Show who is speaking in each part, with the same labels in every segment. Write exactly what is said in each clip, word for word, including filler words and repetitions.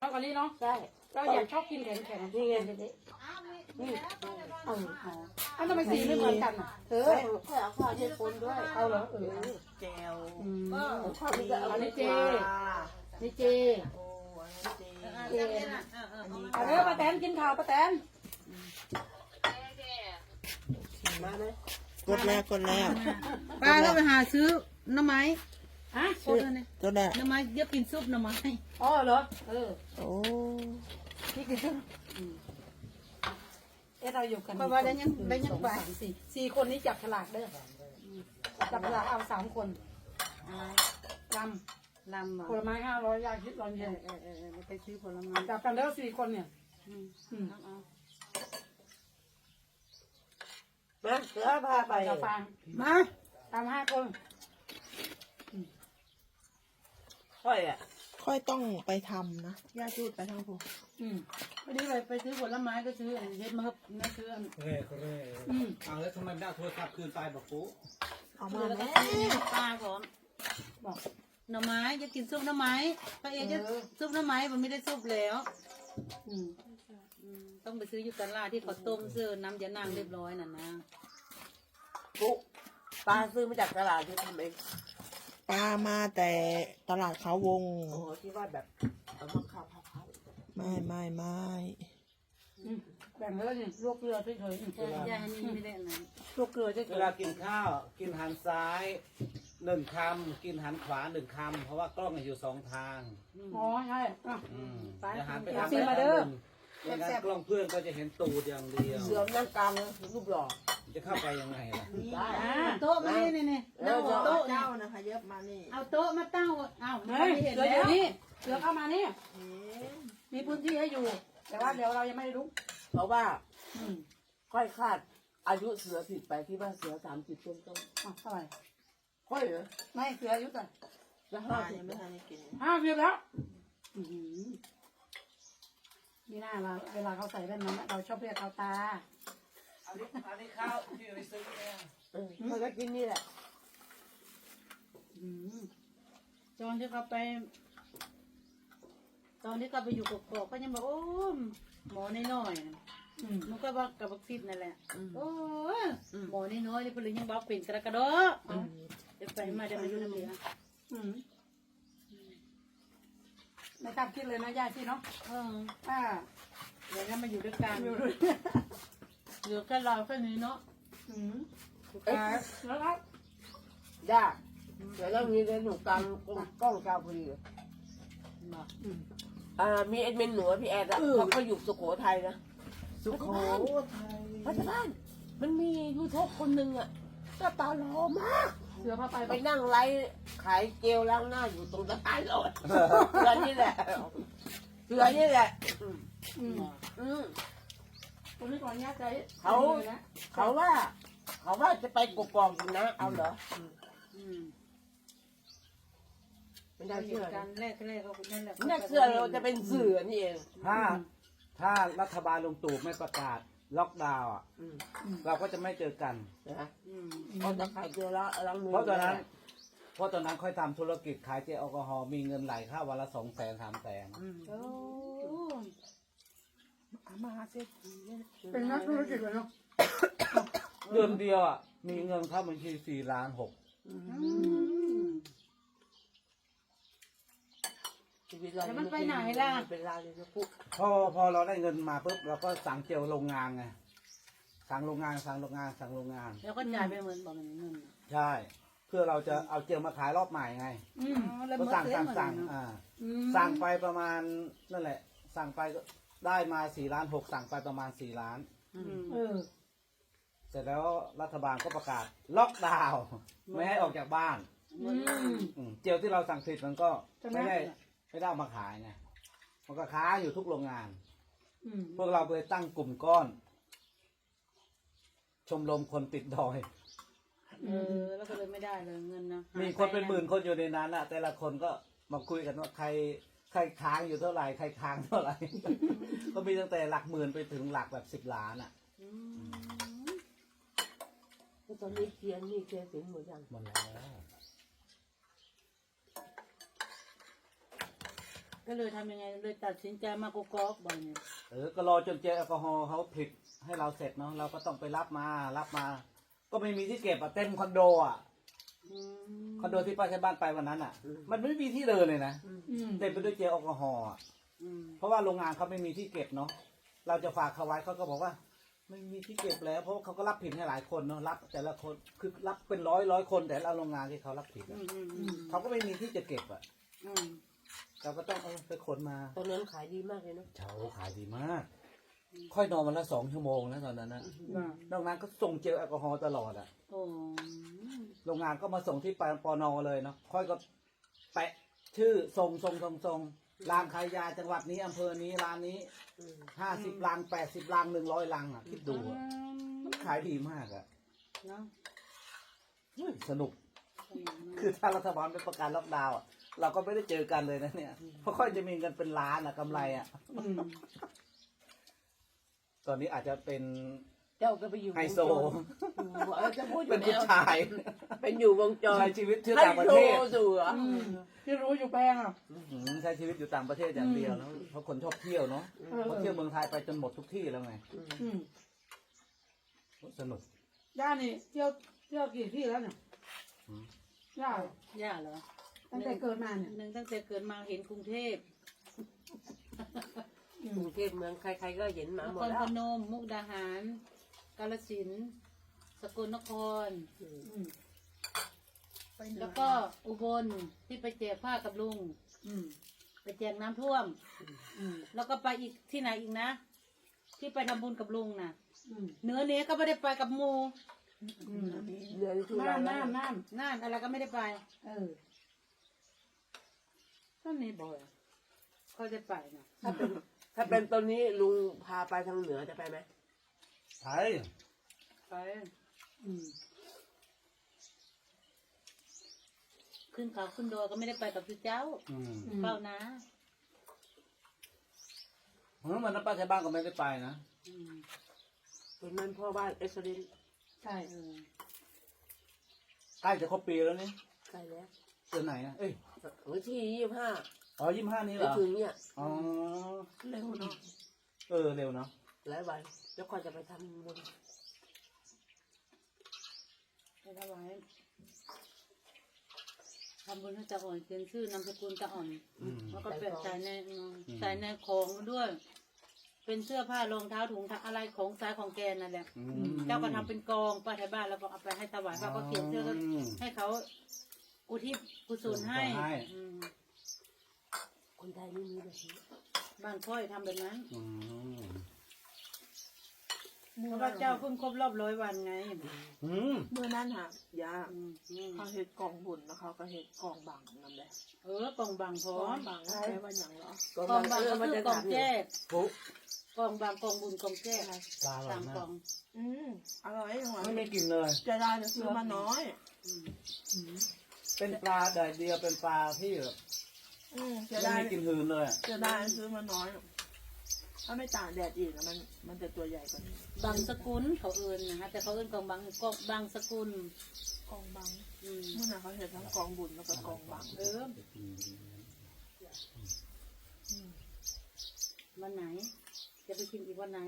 Speaker 1: ชอบอันนี้เนาะใช่เราอยากชอบกินแข็งแข็งนี่ไงนี่นี่เอออันทำไมสีไม่เหมือนกันอ่ะเออข้าวข้าวเย็นปนด้วยเอาเหรอเออ
Speaker 2: แจว
Speaker 1: ข้าวนี่จะอันนี้เจนี่เจเจเอาเด้อป้าแตนกินข้าวป้าแตนมาไหม
Speaker 3: กดแล้วกดแล้ว
Speaker 2: ป้าก็ไปหาซื้อหน่อไม้
Speaker 1: ฮะ
Speaker 3: ตัวแรก
Speaker 2: หน่อไม้เยอะกินซุปหน่อไม้
Speaker 1: อ๋อเหรอเออ
Speaker 3: โอ้
Speaker 1: พี่กินซุปเอ๊ะเราอยู่กัน
Speaker 2: เพราะว่าได้ยังได้ยังไป
Speaker 1: สี่สี่คนนี้จับฉลากเด้อจับฉลากเอาสามคนลำ
Speaker 2: ลำ
Speaker 1: ผลไม้ห้าร้อยยาคิดร้อนเย็น
Speaker 2: เออเออเออไปซื้อผลไม้
Speaker 1: จับกันแล้วสี่คนเนี่ย
Speaker 3: มาเสือพาไป
Speaker 1: จะฟังมาตามห้าคน
Speaker 3: ค่อยอ่ะค่อยต้องไปทำนะย่าจูดไปทางผม
Speaker 1: อืมวันนี้ไปไปซื้อผลไม้ก็ซื้อเฮ็ดมาครับนะซื้ออัน
Speaker 4: เร่เร่อืมเอาแล้วทำไมไม่ได้โทรศัพท์คืนไปบอกปุ๊
Speaker 3: เอามาแล้ว
Speaker 2: ป้าผมบอกหน่อไม้จะกินซุปหน่อไม้ป้าเอจะซุปหน่อไม้มันไม่ได้ซุปแล้วอืมต้องไปซื้ออยู่ตลาดที่เขาต้มเสื้อน้ำยานางเรียบร้อยน่ะนะ
Speaker 3: ปุ๊ปลาซื้อมาจากตลาดที่ทำเองปลามาแต่ตลาดเขาวงโอ้ที่ว่าแบบเอามาข้าวผัดไม่ไม่ไม่
Speaker 1: แบ่งแล้วนี่ลวกเกลือเฉย
Speaker 2: ๆย่านี่ไม่ได้นะ
Speaker 1: ลวกเกลือเฉย
Speaker 4: เวลากินข้าวกินหันซ้ายหนึ่งคำกินหันขวาหนึ่งคำเพราะว่ากล้องอยู่สองทาง
Speaker 1: อ๋อใช่
Speaker 4: อย่าหันไปทางใดทางหนึ่งไม่งั้นกล้องเพื่อนก็จะเห็นตูดอย่างเดียว
Speaker 3: เสือนั่งกลางรูปหล่อ
Speaker 4: จะเข้าไปยังไงล่ะ
Speaker 2: โต๊ะมานี่นี่เอาโต๊ะ
Speaker 3: เจ้านะคะเย็บมานี่
Speaker 2: เอาโต๊ะมาตั้งเอา
Speaker 1: ไม่เห็นแล้วนี่เสือเข้ามานี่มีพื้นที่ให้อยู่ แต่ว่าเดี๋ยวเรายังไม่รู้
Speaker 3: เพราะว่าค่อยคาดอายุเสือผิดไปที่ว่าเสือสามสิบต้นต้น
Speaker 1: อ่ะเท่าไหร่
Speaker 3: ค่อยเหรอ
Speaker 1: ไม่เสืออายุเท่าไหร่
Speaker 3: จะห้าสิบไม่ทันได้กิน
Speaker 1: ห้าสิบแล้วนี่น่าเราเวลาเขาใส่แว่นนั้นเราชอบเรียกเขาตา
Speaker 4: อันนี้อันนี้ข้าวที่ไปซื้อเนี่ย
Speaker 3: เขาก็กินนี่แหละ
Speaker 2: ตอนที่เขาไปตอนที่เขาไปอยู่กอกๆก็ยังบอกโอ้หมอน้อยๆมันก็บอกกับบักซิดนั่นแหละโอ้หมอน้อยๆนี่เพิ่นยังบอกเป็นกระกระโดดเดี๋ยวไปมาเดี๋ยวมาอยู่น้ำเหลือง
Speaker 1: ไม่ทำคิดเลยนะย่าชีเนาะ
Speaker 2: เอออ่าเดี๋ยวนั้นมาอยู่ด้วยกันอยู่ด้วยเหลือแค่เราแค่นี้เนาะ
Speaker 1: อืมแล้วแล้ว
Speaker 3: ย่าเดี๋ยวเรามีเรื่องหนูกลางกล้องกลางพอดีอ่ามีเอ็ดเมนหนูพี่แอดอะเขาก็อยู่สุโขทัยนะ
Speaker 4: สุโขทัย
Speaker 3: พัฒนามันมียูทูบคนหนึ่งอะก็ตาหล่อมาก
Speaker 1: เสือพาไป
Speaker 3: ไปนั่งไลฟ์ขายเจลล้างหน้าอยู่ตรงสะพานลอยเสือนี่แหละเสือนี่แหละ
Speaker 1: อืมอืมคนนี้ก่อนเนี้ยใจ
Speaker 3: เขาเขาว่าเขาว่าจะไปกกอกอยู่นะเอาเหรออืมไม่ได้เชื่อ
Speaker 2: กันแรกแรกเขาเป็นนั่นแหละ
Speaker 3: ไม่ได้เชื่อเราจะเป็นเสือนี่เอง
Speaker 4: ถ้าถ้ารัฐบาลลงตู่ไม่ประกาศล็อกดาวน์อ่ะเราก็จะไม่เจอกัน
Speaker 3: นะเพราะจะขายเจลล้างมือ
Speaker 4: เพราะตอนนั้นเพราะตอนนั้นค่อยทำธุรกิจขายเจลแอลกอฮอล์มีเงินไหลเข้าวันละสองแสนสามแสน
Speaker 1: โอ้มาเสร็จเป็นนักธุรกิจเลยเนาะ
Speaker 4: เดือนเดียวอ่ะมีเงินเข้าบัญชีสี่ล้านหก
Speaker 2: แล้วมันไปไหนล่ะ
Speaker 3: เป็นลาเลยนะปุ๊บ
Speaker 4: พอพอเราได้เงินมาปุ๊บเราก็สั่งเจลโรงงานไงสั่งโรงงานสั่งโรงงานสั่งโรงงาน
Speaker 2: แล้วก็จ่ายไปเหมือนบอกมันเงิน
Speaker 4: ใช่เพื่อเราจะเอาเจลมาขายรอบใหม่ไงก็สั่งสั่งสั่งอ่าสั่งไปประมาณนั่นแหละสั่งไปก็ได้มาสี่ล้านหกสั่งไปประมาณสี่ล้านเสร็จแล้วรัฐบาลก็ประกาศล็อกดาวน์ไม่ให้ออกจากบ้านเจลที่เราสั่งผิดมันก็ไม่ได้ไม่ได้เอามาขายไงมันก็ค้าอยู่ทุกโรงงานพวกเราเลยตั้งกลุ่มก้อนชมรมคนติดดอย
Speaker 2: เออแล้วก็เลยไม่ได้เลยเงินนะ
Speaker 4: มีคนเป็นหมื่นคนอยู่ในนั้นอะแต่ละคนก็มาคุยกันว่าใครใครค้างอยู่เท่าไหร่ใครค้างเท่าไหร่ ก็มีตั้งแต่หลักหมื่นไปถึงหลักแบบสิบล้านอะ
Speaker 3: ตอนนี้เคียนนี่เคียนถึงหมดยัง
Speaker 4: หมดแล้ว
Speaker 2: ก็เลยทำยังไงเลยตัดสินใจมากกอกบ่อยเนี่ย
Speaker 4: เออก็รอจนเจลแอลกอฮอล์เขาผลิตให้เราเสร็จเนาะเราก็ต้องไปรับมารับมา ก็ไม่มีที่เก็บอะเต็มคอนโดอะ
Speaker 2: อืม
Speaker 4: คอนโดที่ป้าใช้บ้านไปวันนั้นอะมันไม่มีที่เดินเลยนะ
Speaker 1: อืม
Speaker 4: เต็มไปด้วยเจลแอลกอฮอล์อะ
Speaker 2: อืม
Speaker 4: เพราะว่าโรงงานเขาไม่มีที่เก็บเนาะเราจะฝากเขาไว้เขาก็บอกว่า ไม่มีที่เก็บแล้วเพราะเขาก็รับผิดให้หลายคนเนาะรับแต่ละคนคือรับเป็นร้อยร้อยคนแต่ละโรงงานที่เขารับผิด
Speaker 2: อื
Speaker 4: อะ
Speaker 2: มอืมอืม
Speaker 4: เขาก็ไม่มีที่จะเก็บอะ
Speaker 2: อืม
Speaker 4: เราก็ต้องเออไปขนมา
Speaker 3: ตอนนั้นขายดีมากเลยเนาะ
Speaker 4: เช้าขายดีมาก ค่อยนอนวันละสองชั่วโมงนะตอนนั้นนะ
Speaker 2: ว่าน
Speaker 4: อกนั้นก็ส่งเจลแอลกอฮอล์ตลอดอะ
Speaker 2: โอ้
Speaker 4: โรงงานก็มาส่งที่ปปนเลยเนาะค่อยก็แปะชื่อส่งส่งส่งส่งร้านขายยาจังหวัดนี้อำเภอนี้ร้านนี้ห้าสิบลังแปดสิบลังหนึ่งร้อยลังอ่ะคิดดูอะมันขายดีมากอ่ะ
Speaker 2: เนาะ
Speaker 4: เฮ้ยสนุก คือถ้ารัฐบาลไม่ประกาศล็อกดาวน์อะเราก็ไม่ได้เจอกันเลยนะเนี่ยเพราะค่อยจะมีเงินเป็นล้านอ่ะกำไรอ่ะ
Speaker 2: อืม
Speaker 4: ตอนนี้อาจจะเป็น
Speaker 3: เจ้าก็ไปอยู่
Speaker 4: ไฮโซ
Speaker 3: เออจะพูดอ
Speaker 4: เป็
Speaker 3: ยู่
Speaker 4: น
Speaker 3: แล้
Speaker 4: ผู้
Speaker 3: ว
Speaker 4: ชาย
Speaker 3: เป็นอยู่วงจร
Speaker 4: ใช้ชีวิตที่ต่างประเทศ
Speaker 3: ไฮโซสู่เหรอ
Speaker 2: อืม
Speaker 1: ที่รู้อยู่แพงอ่ะ
Speaker 4: อืมใช้ชีวิตอยู่ต่างประเทศอย่างเดียวแล้วเพราะคนชอบเที่ยวเนาะเขาเที่ยวเมืองไทยไปจนหมดทุกที่แล้วไง
Speaker 1: อืม
Speaker 4: สนุก
Speaker 1: ย่านี่เที่ยวเที่ยวกี่ที่แล้วเนี่ย
Speaker 4: อืม
Speaker 1: ย่า
Speaker 2: ย่าเหรอ
Speaker 1: ตั้งแต่เกิดมาเนี่ย
Speaker 2: หนึ่งตั้งแต่เกิดมาเห็นกรุงเทพ
Speaker 3: กรุงเทพเมืองใครๆก็เห็นมาน หม
Speaker 2: ค
Speaker 3: ด
Speaker 2: ร
Speaker 3: แล้
Speaker 2: พ
Speaker 3: วน
Speaker 2: ม มุกดาหาร กาฬสินธุ์สกลนคร
Speaker 1: อืม
Speaker 2: แล้วก็อุบลที่ไปแจกผ้ากับลุง
Speaker 1: อืม
Speaker 2: ไปแจกน้ำท่วม
Speaker 1: อืม
Speaker 2: แล้วก็ไปอีกที่ไหนอีกนะ ที่ไปทำบุญกับลุงน่ะ
Speaker 1: อืม
Speaker 2: เหนือเนี้ยก็ไม่ได้ไปกับหมู
Speaker 1: อืม
Speaker 3: เดือนที่
Speaker 1: น้ำน้ำน้
Speaker 2: น่านอะไรก็ไม่ได้ไป
Speaker 1: ำเออ
Speaker 2: ท่านนี้บ่อยก็ได้ไปนะ
Speaker 3: ถ้าเป็นถ้าเป็นตอนนี้ลุงพาไปทางเหนือจะไปไหม
Speaker 4: ไทย
Speaker 2: ไป
Speaker 1: อืม
Speaker 2: ขึ้นเขาขึ้นดอยก็ไม่ได้ไปกับพี่เจ้า
Speaker 4: อืม
Speaker 2: เฝ้านะ
Speaker 4: เพราะมันนั้นป้าใช้บ้านก็ไม่ได้ไปนะ
Speaker 2: อืม
Speaker 3: ตอนนั้นพ่อบ้านเอ็กซ์เรน
Speaker 1: ใช่
Speaker 2: เออ
Speaker 4: ใกล้จะครบปีแล้วนี่
Speaker 3: ใกล้แล้ว
Speaker 4: เดือนไหนนะเอ้ย
Speaker 3: วันที่ยี่สิบห้า
Speaker 4: อ๋อยี่สิบห้านี้เหร
Speaker 3: ไม่
Speaker 4: อ
Speaker 3: ถึงเนี่ย
Speaker 4: อ๋อ
Speaker 3: เร็วเนาะ
Speaker 4: เออเร็วเนาะ
Speaker 3: หลายวันแล้วก็จะไปทำบุญ
Speaker 2: ไปถวายทำบุญให้ตาอ่อนเป็นชื่อนามสกุลตาอ่อน
Speaker 4: อืม
Speaker 2: แล้วก็แปะใส่ในใส่ในของด้วย เป็นเสื้อผ้ารองเท้าถุงเท้าอะไรของซ้ายของแกนั่นแหละ
Speaker 4: อืม
Speaker 2: เจ้าก็ทำเป็นกองป้าไทยบ้านแล้วก็เอาไปให้ถวายป้าก็เขียนชื่อแล้วให้เขาอุทิศกุศลให้อืม
Speaker 3: คนไทยไม่มีแบบนี้
Speaker 2: บ้านค่อยทำแบบนั้น
Speaker 4: อืม
Speaker 2: เพราะว่าเจ้าเพิ่งครบรอบร้อยวันไง
Speaker 4: อืม
Speaker 5: เมื่อนั้นค่ะยา
Speaker 2: อืมอืม
Speaker 5: เขาเห็ดกองบุญแล้วเขาก็เห็ดกองบังนั่นแหละ
Speaker 2: เออกองบางพร้
Speaker 5: ก
Speaker 2: อ
Speaker 5: อง
Speaker 2: ม
Speaker 5: บังใช้ว่าอย่างเหรอก
Speaker 2: องบาง
Speaker 3: เอ
Speaker 2: ก็
Speaker 3: อมัน
Speaker 2: คื
Speaker 3: จะ
Speaker 2: อกอง
Speaker 3: ถามอยู่
Speaker 2: แจ้
Speaker 4: ปุ๊
Speaker 2: กองบางกองบุญกองแจ้
Speaker 4: ปลาอร่อ
Speaker 2: สาย ม
Speaker 4: มาก
Speaker 2: กอง
Speaker 5: อืมอร่อยจังหวะ
Speaker 4: ไม่ไม่กินเลย
Speaker 5: จะได้จะซื้อมาน้อย
Speaker 2: อืม
Speaker 4: เป็นปลาแดดเดียวเป็นปลาที่แบบ
Speaker 5: อืมจะ
Speaker 4: ไม่
Speaker 5: ได้
Speaker 4: มีกลินหืนเลยอะ
Speaker 5: จะได้ซื้อมาน้อย ถ้าไม่ตากแดดอีกอะมันมันจะตัวใหญ่กว่านี้
Speaker 2: บางสกุลเขาเอิญนะคะแต่เขาเอิญกองบางกองบางสกุล
Speaker 5: กองบัง
Speaker 2: อืม
Speaker 5: เมื่อนั้นเขาเห็ดทั้งกองบุญแล้วก็กองบัง
Speaker 2: เออวันไหน จะไปกินอีกวันไหน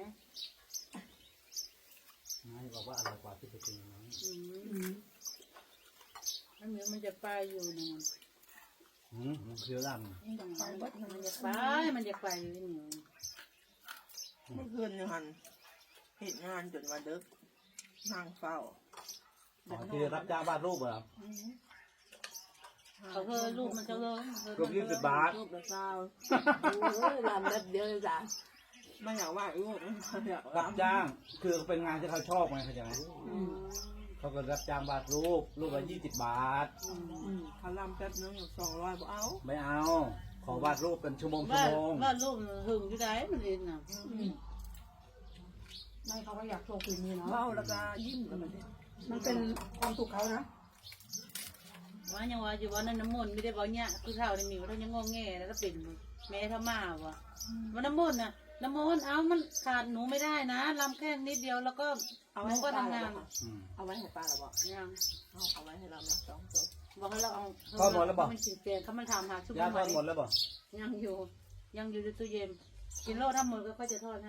Speaker 4: ไม่บอกว่าอร่อยกว่าที่ไปกินนะ
Speaker 2: อืม
Speaker 1: อืม
Speaker 2: มันเหมือนมันจะไปอยู่นะ
Speaker 4: อืมมันเคี้ยวด
Speaker 5: ไปเบิด
Speaker 2: มันจะไป มันจะไปอยู่นี่
Speaker 5: เมื่อคืนเนี่ยหันเห็นงานจนวันดึกนั่งเฝ้า
Speaker 4: ำอ๋อที่รับจ้างวาดรูปเหรอ
Speaker 5: อืม
Speaker 2: เขาเธอลูกมันจะเลย
Speaker 4: รูปยี่สิบบาท
Speaker 3: รูปละเศร้าโอ้ยรำแป๊บเดียวเลยจ้ะ
Speaker 5: ไม่อยากว่าลูกไม่อยาก
Speaker 4: รับจ้างคือเป็นงานที่เขาชอบไงเข้าใจไหม
Speaker 2: อืม
Speaker 4: เขาก็รับจ้างวาดรูปรูปละยี่สิบบาท
Speaker 2: อืม
Speaker 5: อืมเขาลำแป๊บนึงสองร้อยบ่เอา
Speaker 4: ไม่เอา ขอวาดรูปเป็นชั่วโมงชั่
Speaker 2: ว่าว
Speaker 4: โมง
Speaker 2: ว่าลูกหึงที่ไหนมันเองน่ะ
Speaker 1: อืมไม่เขาก็อยากโชว์ฝีมือเนาะ
Speaker 5: เบ้าแล้วก็ยิ้มแล้วมันเนี่ย
Speaker 1: มันเป็นความสุขเขานะ
Speaker 2: ว่ายังว่าอยู่ว่านั่นน้ำมนต์ไม่ได้บอกเนี่ยคือเท่าในมีว่าเท่ายังงงแงแล้วก็เป็นแม่ถ้ามาวะว่าน้ำมนต์น่ะน้ำมนต์เอามันขาดหนูไม่ได้นะลำแค่นิดเดียวแล้วก็
Speaker 5: เอา
Speaker 2: ห
Speaker 5: ไว้
Speaker 2: นู
Speaker 5: ให้
Speaker 2: ก็
Speaker 5: ป้า
Speaker 2: ทำ
Speaker 5: แล้
Speaker 2: งา
Speaker 5: วน บอก
Speaker 4: อืม
Speaker 5: เอาไว้ให้ป้าแล้วบอก
Speaker 2: ยัง
Speaker 5: เอาเอาไว้ให้เรานะสองตัว
Speaker 2: บอกให้เราเอา
Speaker 4: ทอดหมดแล้วบอก
Speaker 2: มันกินเปลี่ยนเขามันทำหาชุบ
Speaker 4: ยา
Speaker 2: น้ำ
Speaker 4: ท
Speaker 2: ไห
Speaker 4: อดหมดแล้วบ่
Speaker 2: ยังอยู่ ยังอยู่ในตู้เย็นกินโลถ้าหมดก็ค่อยจะทอดให้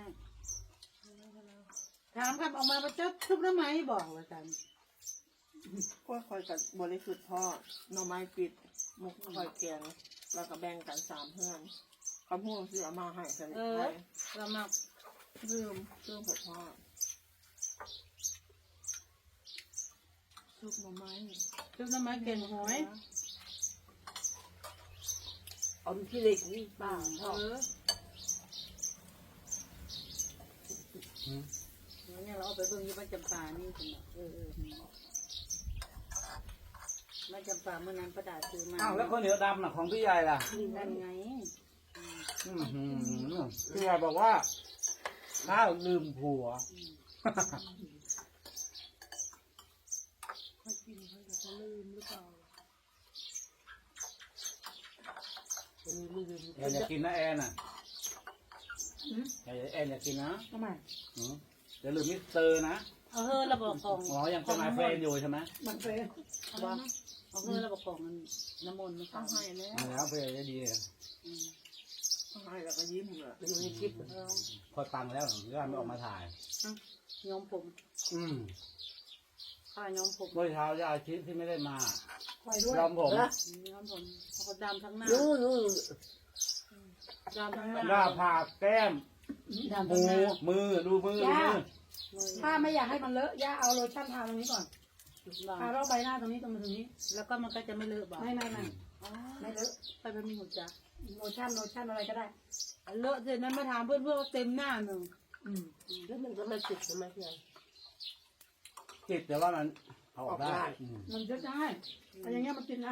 Speaker 2: ถามครับออกมาประจับชุบน้ำไหมบอกว่าจัน
Speaker 5: ก็คอยกับบริสุทธิ์ทอดหน่อไม้ปิดมุกคอยแกงแล้วก็แบ่งกันสามเพื่อนเขาพูดซื้อเอามาให้สนิท
Speaker 2: เอ
Speaker 5: ไป
Speaker 2: อเรามา
Speaker 5: ลืมลืมผัดทอดซุปหน่อไม้
Speaker 2: ชุบน้ำไหมเก่งหอย
Speaker 3: เอาที่เล็กนี่ป้า
Speaker 2: เออแล้วเนี่ยเราเอาไปเบิ่งอยี่บ้านจำปานี่คุณเออเออบ้านจำปาเมื่อนั้นประดาซื้อมา
Speaker 4: อ้าวแล้วข้าวเหนียวดำน่ะของพี่ใหญ่ล่ะ
Speaker 2: นั่นไง
Speaker 4: อือหือพี่ใหญ่บอกว่าข้าวลืมผัว แอนอยากกินนะแอนอ่ะแอนแอนอยากกินนะ
Speaker 1: ทำไม
Speaker 4: อืมเดี๋ยวลืมมิสเตอร์นะ
Speaker 2: เอาเฮ้อระบอกของ
Speaker 4: อ๋อยังเป็นมาเฟนอยู่ใช่ไหม
Speaker 1: มันเป็น
Speaker 2: บอกเอาเฮ้อระบอกของมันน้ำมนต์ไม่
Speaker 5: ต้อง
Speaker 2: เข้า
Speaker 5: ให้แล้ว
Speaker 4: เอาแล้วเฟนจะดีเลย
Speaker 2: อืม
Speaker 5: ต้องให้แล้วก็ยิ้มเลย
Speaker 3: เป็นในคลิป
Speaker 2: เออ
Speaker 4: พอตังแล้วถึงจะไม่ออกมาถ่าย
Speaker 2: ย้อมผม
Speaker 4: อืม
Speaker 2: ข้าย้อมผม
Speaker 4: เมื่อเช้ายาชิที่ไม่ได้มา
Speaker 1: คอยด้วย
Speaker 4: ยอมผม
Speaker 3: นะ
Speaker 2: ย้อมผมเขาดำทั้งหน้า
Speaker 3: นู่นนู่น
Speaker 2: ดำทั้งหน้า
Speaker 4: หน้าผากแก้ม
Speaker 1: ดำ
Speaker 4: หู
Speaker 1: ทั้งหน้า
Speaker 4: มือดูมือดูมือ
Speaker 1: ถ้าไม่อยากให้มันเลอะย่าเอาโลชั่นทาตรงนี้ก่อนทารอบใบหน้าตรงนี้ตรงมาตรงนี้
Speaker 2: แล้วก็มันก็จะไม่เลอะบ่า
Speaker 1: ไม่ไม่ไม่
Speaker 2: อ๋อ
Speaker 1: ไม่เลอะ
Speaker 2: ไปเป็นมีหัวจัก
Speaker 1: โลชั่นโลชั่นอะไรก็ได้
Speaker 2: เลอะเสร็จนั้นมาถามเพื่อนเพื่อนว่าเต็มหน้าหนึ่ง
Speaker 1: อืม
Speaker 3: แล้วมันก็ไม่ติดใช่ไหมพี่ใหญ่
Speaker 4: จิตแต่ว่ามันเอาออกได้
Speaker 3: ออกได้
Speaker 4: อืม
Speaker 1: มันจะได้แต่อย่างเงี้ยมันกินนะ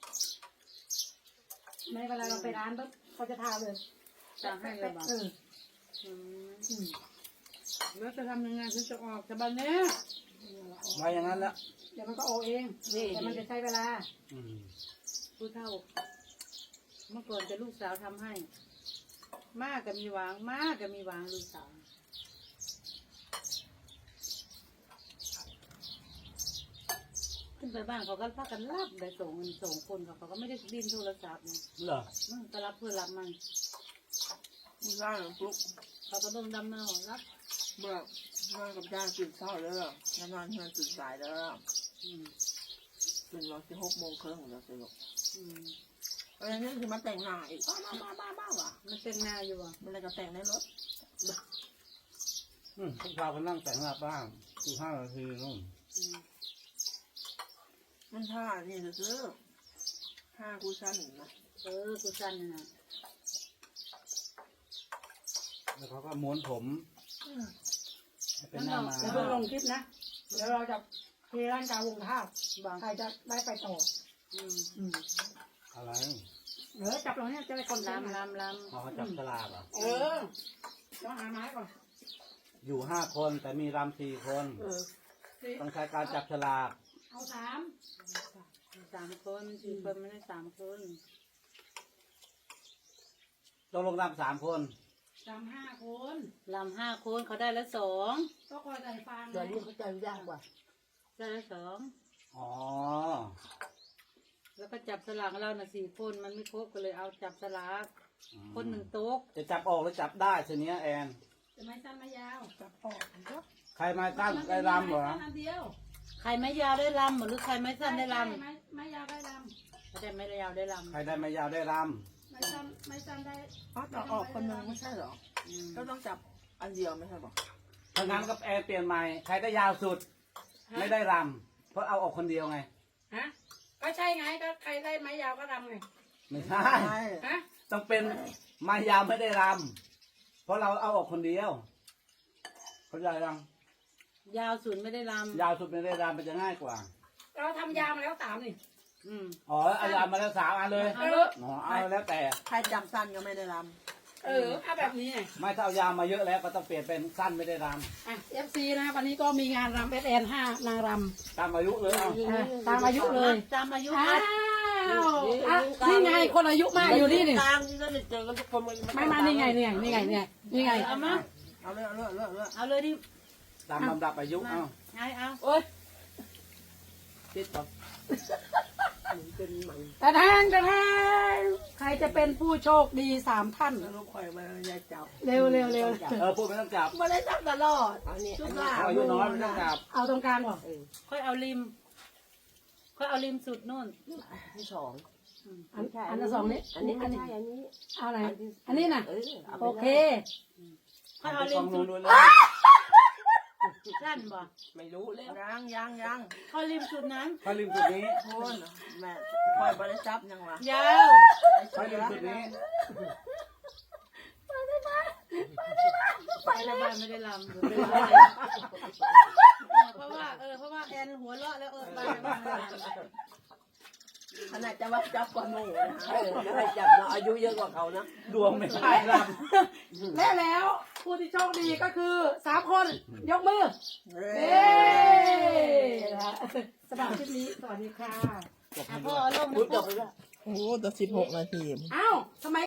Speaker 1: ไม่เวลาเราไปร้านปุ๊บเขาจะทาเลย
Speaker 2: จะให้เลยบ่า
Speaker 1: เออ
Speaker 2: อืม
Speaker 1: อืม
Speaker 2: แล้วจะทำยังไงถึงจะออกจากบ้านเนี้ย
Speaker 4: ไว้อย่างนั้นแล้ว
Speaker 1: เดี๋ยวมันก็โอเองแต่มันจะใช้เวลา
Speaker 4: อืม
Speaker 2: ผู้เฒ่า เมื่อก่อนจะลูกสาวทำให้ มากก็มีหวางมากก็มีหวางลูกสาวขึ้นไปบ้านเขาก็พากันรับได้ส่งเงินส่งคนเขาเขาก็ไม่ได้ดิ้นโทรศัพท์เนี่ย
Speaker 4: เหรอ
Speaker 2: มันก็รับเพื่อรับมัน
Speaker 5: มึงได้หรือปุ๊บ
Speaker 2: เขาก็เบิ่งดำเนารับ
Speaker 5: เมื่อเมื่อกับย่าตื่นเช้าแล้วนอนเพื่อนตื่นสายแล้ว
Speaker 2: อืม
Speaker 5: ตื่นรอที่หกโมงครึ่งแล้วสิลูก
Speaker 2: อืม
Speaker 5: อะไรนี่คือมาแต่งหน้าอีกบ้าบ้าบ้าบ้าว่ะ
Speaker 2: มันเป็นหน้าอยู่อ่ะ
Speaker 5: มันอะไรก็แต่งในรถ
Speaker 4: อืมพวกเราก็นั่งแต่งหน้าบ้างสิบห้านาทีนู่น
Speaker 2: อืม
Speaker 5: มันท่านี่ซื้อท่ากูสั้นนะ
Speaker 2: เออกูสั้นน่ะ
Speaker 4: แล้วเขาก็ม้วนผมให้เป็นหน้ามา
Speaker 1: เดี๋ยวเพิ่งลงคลิปนะเดี๋ยวเราจะเทร่างกายวงข้าว
Speaker 2: บาง
Speaker 1: ใครจะได้ไปต่อ
Speaker 2: อืม
Speaker 1: อืม
Speaker 4: อะไร
Speaker 1: เออจับเราเนี่ยจะได้คน
Speaker 2: ลาม
Speaker 1: ลำ
Speaker 2: ลามลาม
Speaker 4: เขาจับฉลากเหรอ่ะ
Speaker 1: เออต้องหาไม้ก่อน
Speaker 4: อยู่ห้าคนแต่มีรำสี่คน
Speaker 3: เออ
Speaker 4: ต้องใช้การจับฉลาก
Speaker 1: เอาสาม
Speaker 2: สามคนสี่คนไม่ได้สามคน
Speaker 4: ต้องลงรำสามคน
Speaker 1: สามห้าคน
Speaker 2: ลำห้าคนเขาได้แล้วสอง
Speaker 1: ก็คอยใส่ฟาง
Speaker 3: เดี๋ยวนี้เขาจะยากกว่า
Speaker 2: ได้แล้วสอง
Speaker 4: อ๋อ
Speaker 2: แล้วก็จับสลากเราน่ะสี่คนมันไม่ครบก็เลยเอาจับสลากคนหนึ่งโต๊ะ
Speaker 4: จะจับออกหรือจับได้ทีเนี้ยแอน
Speaker 1: จะไม่สั้นไม่ยาว
Speaker 5: จับออกก็
Speaker 4: ใครมาตั้งได้รำเหรอ
Speaker 1: สั้นอันเดียว
Speaker 2: ใครไม่ยาวได้ลำหรือใครไม่สั้นได้ล
Speaker 1: ไม่ไม่ยาวได้ล
Speaker 2: ำใครได้ไม่ยาวได้ล
Speaker 4: ใครได้ไม่ยาวได้ร
Speaker 1: ำไม่สั้นไม่สั้นได้
Speaker 5: อ๋อต่อออกคนหนึ่งไม่ใช่เหรอ
Speaker 2: ำอืม
Speaker 5: ก็ต้องจับอันเดียวไม่ใช่หรอ
Speaker 4: ำถ้างั้นก็แอนเปลี่ยนใหม่ ใครได้ยาวสุด ไม่ได้รำเพราะเอาออกคนเดียวไง
Speaker 1: ฮะก็ใช่ไงก็ใครได้ไม้ยาวก็รำไง
Speaker 4: ไม่ใช่
Speaker 5: ใช่
Speaker 1: ฮะ
Speaker 4: ต้องเป็นไมายาวไม่ได้รำเพราะเราเอาออกคนเดียวเข้าใจยัง
Speaker 2: ยาวสุดไม่ได้ล
Speaker 4: ยาวสุดไม่ได้รำมันจะง่ายกว่า
Speaker 1: เราทำยาวมาแล้วสามนี่
Speaker 2: ำอืม
Speaker 4: อ๋อเอารำมาแล้วสามอันเลย
Speaker 1: เออ
Speaker 4: อ๋อเอาแล้วแต่
Speaker 5: ใครจับสั้นก็ไม่ได้ร
Speaker 1: เออเอาแบบนี้ไง
Speaker 4: ไม่ถ้าเอายาวมาเยอะแล้วก็ต้องเปลี่ยนเป็นสั้นไม่ได้ร
Speaker 1: อ่ะเอฟซีนะวันนี้ก็มีงานรำเอสแอนห้านางรำ
Speaker 4: ำตามอายุเลยเอา
Speaker 1: อ่ะตามอายุเลย
Speaker 2: ตามอายุ
Speaker 1: อ้าวอ่ะนี่ไงคนอายุมากอยู่นี่นี่
Speaker 3: กลางที่เราเจอกันทุกคนมัน
Speaker 1: ไม่มานี่ไงนี่ไงนี่ไงนี่ไงนี่ไง
Speaker 2: เอามา
Speaker 5: ำเอาเลยเอาเลยเอาเลยเอาเลย
Speaker 2: เอาเลยดิ
Speaker 4: ตามลำดับอายุเอา
Speaker 2: ไงเอา
Speaker 1: โอ๊ย
Speaker 4: ติดต่อ
Speaker 3: เป็นมัน
Speaker 1: แต่แทงแต่แทงใครจะเป็นผู้โชคดีสามท่าน
Speaker 3: ลูกคอยมาอยาจับ
Speaker 1: เร็วเร็วเร็ว
Speaker 4: เออพูดไม่ต้องจับ
Speaker 3: มาได้จับตลอดอันนี้อันนี้
Speaker 4: อายุน้อยไม่ต้องจับ
Speaker 1: เอาตรงกลางก่อน
Speaker 2: ค่อยเอาริม ค่อยเอาริมสุดนู่น
Speaker 3: ที่สอง
Speaker 1: อันอันที่สองนี้
Speaker 3: อันนี้ไม่ใช่อันนี้
Speaker 1: เอาไหนอันนี้น่ะ
Speaker 3: เออเอาไป
Speaker 1: โอเค
Speaker 2: ค่อยเอาริ
Speaker 4: ฟั
Speaker 2: ม
Speaker 4: ง
Speaker 2: สุ
Speaker 4: นู้
Speaker 2: ด
Speaker 4: นเลย
Speaker 2: สั้นบ่
Speaker 3: ไม่รู้เลย
Speaker 5: ยังยังยัง
Speaker 2: ค่อยริมสุดนั้น
Speaker 4: ถ้าลืมจุดนี้
Speaker 5: โคนแม่คอยบริจับยังวะ
Speaker 2: ยาว
Speaker 4: ถ้าลืมจุดนี้
Speaker 2: ไปละบ้านไม่ได้ลำเพราะว่าเออเพราะว่าแอนหัวเราะแล้วเออบ้านไม่ได้ลำ
Speaker 3: ขนาดจะว่าจับกว่าหนูนะเออไม่ให้จับเนาะอายุเยอะกว่าเขานะ
Speaker 4: ดวงไม่ใช่ล
Speaker 1: และแล้วผู้ที่โชคดีก็คือสามคนยกมือ
Speaker 5: เฮ้
Speaker 1: เย้นะฮะสำหรับคลิปนี้สวัสดีค่ะ
Speaker 4: ำ
Speaker 2: อ่ะพ่อเอาลง
Speaker 3: พูด
Speaker 2: นะ
Speaker 3: จ
Speaker 2: พ่อ
Speaker 3: บไปแล้ว
Speaker 5: โอ้แต่สิบหกนาที
Speaker 1: อ้าวทำไม